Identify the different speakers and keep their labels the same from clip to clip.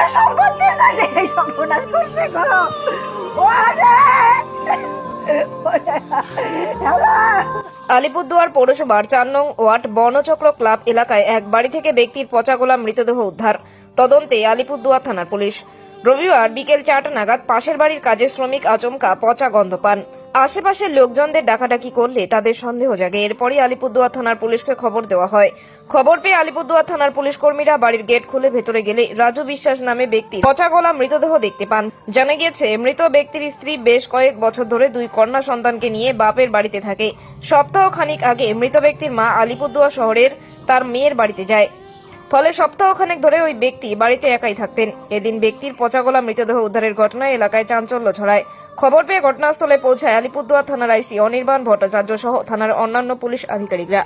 Speaker 1: সম্পত্তির কাছে এই সর্বনাশ করছে গো।
Speaker 2: আলিপুরদুয়ার পৌরসভার 4 নং ওয়ার্ড বনচক্র ক্লাব এলাকায় এক বাড়ি থেকে ব্যক্তির পচাগোলা মৃতদেহ উদ্ধার। তদন্তে আলিপুরদুয়ার থানার পুলিশ। রবিবার বিকেল 4টা নাগাদ পাশের বাড়ির কাজের শ্রমিক আচমকা পচা গন্ধ পান। আশেপাশের লোকজনদের ডাকাডাকি করলে তাদের সন্দেহ জাগে। এরপরই আলিপুরদুয়ার থানার পুলিশকে খবর দেওয়া হয়। খবর পেয়ে আলিপুরদুয়ার থানার পুলিশ কর্মীরা বাড়ির গেট খুলে ভেতরে গেলে রাজু বিশ্বাস নামে ব্যক্তি পচাগোলা মৃতদেহ দেখতে পান। জানা গিয়েছে, মৃত ব্যক্তির স্ত্রী বেশ কয়েক বছর ধরে 2 কন্যা সন্তানকে নিয়ে বাপের বাড়িতে থাকে। সপ্তাহ খানিক আগে মৃত ব্যক্তির মা আলিপুরদুয়ার শহরের তার মেয়ের বাড়িতে যায়। ফলে সপ্তাহখানেক ধরে ওই ব্যক্তি বাড়িতে একাই থাকতেন। এদিন ব্যক্তির পচাগোলা মৃতদেহ উদ্ধারের ঘটনায় এলাকায় চাঞ্চল্য ছড়ায়। খবর পেয়ে ঘটনাস্থলে পৌঁছায় আলিপুরদুয়ার থানার আইসি অনির্বাণ ভট্টাচার্য সহ থানার অন্যান্য পুলিশ আধিকারিকরা।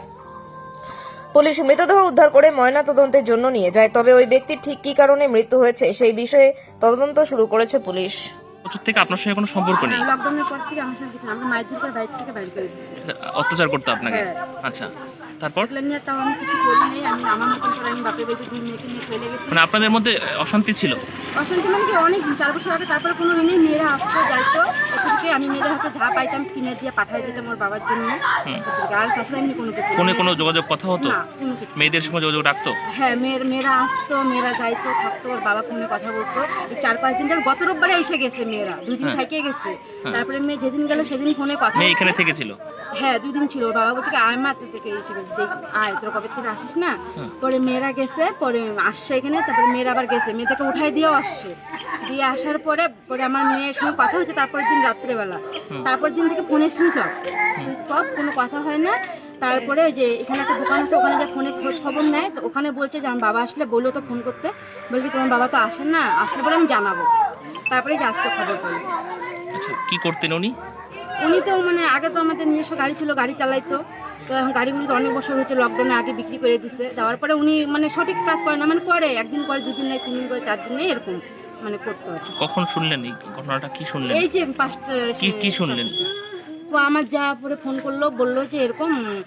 Speaker 2: পুলিশ মৃতদেহ উদ্ধার করে ময়না তদন্তের জন্য নিয়ে যায়। তবে ওই ব্যক্তির ঠিক কি কারণে মৃত্যু হয়েছে সেই বিষয়ে তদন্ত শুরু করেছে পুলিশ।
Speaker 3: বছর থেকে আপনার সঙ্গে কোনো সম্পর্ক নেই?
Speaker 4: লকডাউনের পর থেকে আমার সঙ্গে কিছু না, আমরা মায়ের দিকে বাইরে থেকে বাইরে করে দিচ্ছি।
Speaker 3: অত্যাচার করতে আপনাকে?
Speaker 4: হ্যাঁ।
Speaker 3: আচ্ছা, তারপর?
Speaker 4: এগুলো নিয়ে তাও আমি কিছু বলি নেই, আমি আমার মতন করে আমি বাপের বাড়িতে 2 মেয়েকে নিয়ে চলে গেছি।
Speaker 3: মানে আপনাদের মধ্যে অশান্তি ছিল?
Speaker 4: অশান্তি মানে কি, অনেক 4 বছর আগে, তারপরে কোনো নেই, মেয়েরা আসতো যাইতো, এদিকে আমি মেয়েদের হাতে যা পাইতাম কিনে দিয়ে পাঠাই দিতাম ওর বাবার জন্য। আর তাছাড়া এমনি কোনো কিছু
Speaker 3: ফোনে কোনো যোগাযোগ কথা হতো?
Speaker 4: না, কোনো কিছু।
Speaker 3: মেয়েদের সঙ্গে যোগাযোগ রাখতো?
Speaker 4: হ্যাঁ, মেয়েরা আসতো, মেয়েরা যাইতো, থাকতো, ওর বাবা ফোনে কথা বলতো। এই 4-5 দিন ধরে, গত রোববারে এসে গেছে মেয়েরা, 2 দিন থেকে গেছে। তারপরে মেয়ে যেদিন গেল সেদিন ফোনে কথা
Speaker 3: মেয়ে
Speaker 4: বলতো।
Speaker 3: এখানে থেকেছিল?
Speaker 4: হ্যাঁ, 2 দিন ছিল। ওর বাবা বলছে কি, আয় মা, তুই থেকে এসে আয়, তোর কবে থেকে আসিস না। পরে মেয়েরা গেছে, পরে আসছে এখানে, তারপরে মেয়েরা আবার গেছে, মেয়েটাকে উঠাই দিয়েও আসছে। দিয়ে আসার পরে আমার মেয়ের সঙ্গে কথা হচ্ছে তারপরের দিন রাত্রেবেলা। তারপর দিন থেকে ফোনে সুইচ অফ, কোনো কথা হয় না। তারপরে যে এখানে একটা দোকান আছে, ওখানে যে ফোনে খোঁজ খবর নেয়, তো ওখানে বলছে যে আমার বাবা আসলে বললো তো ফোন করতে, বলছি তোমার বাবা তো আসেন না, আসলে বলে আমি জানাবো। তারপরে যে আজকে খবর পেল।
Speaker 3: আচ্ছা, কি করতেন উনি?
Speaker 4: উনি তো মানে আগে তো আমাদের নিজস্ব গাড়ি ছিল, গাড়ি চালাইতো। তো এখন গাড়িগুলো তো অনেক বছর হচ্ছে, লকডাউনে আগে বিক্রি করে দিছে। দেওয়ার পরে উনি মানে সঠিক কাজ করে না, মানে করে একদিন করে, 2 দিন নেই, 3 দিন করে, 4 দিন নেই, এরকম মানে করতে হয়।
Speaker 3: কখন শুনলেন এই ঘটনাটা? কি শুনলেন?
Speaker 4: এই যে 5টা
Speaker 3: কি শুনলেন?
Speaker 4: ও আমার যা পরে ফোন করলো, বললো যে এরকম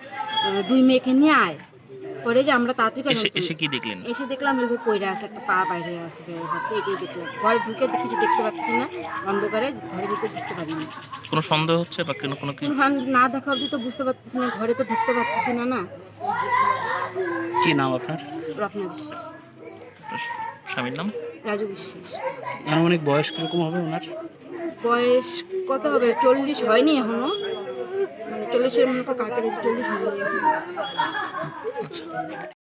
Speaker 4: 2 মেয়েকে নিয়ে আয়। পরে যে আমরা তাড়াতাড়ি করে
Speaker 3: এসে কি দেখলেন?
Speaker 4: এসে দেখলাম এরকম কইরা আছে, একটা পা বাইরে আছে, এটাই দেখলাম। ঘরে ঢুকে কিছু দেখতে পাচ্ছি না, অন্ধকারে ঘরে ঢুকে ঢুকতে পারিনি।
Speaker 3: কোনো সন্দেহ হচ্ছে বা কোনো কি?
Speaker 4: না দেখা অবধি তো বুঝতে পারতেছি না, ঘরে তো ঢুকতে পারতেছি না। না,
Speaker 3: কি নাম আপনার?
Speaker 4: রত্না বিশ্বাস।
Speaker 3: স্বামীর নাম?
Speaker 4: রাজু বিশ্বাস।
Speaker 3: আনুমানিক বয়স কিরকম হবে ওনার?
Speaker 4: বয়স কত হবে, 40 হয়নি এখনো, মানে 40-এর মতো কাছাকাছি, 40 হয়নি এখনো।
Speaker 3: আচ্ছা।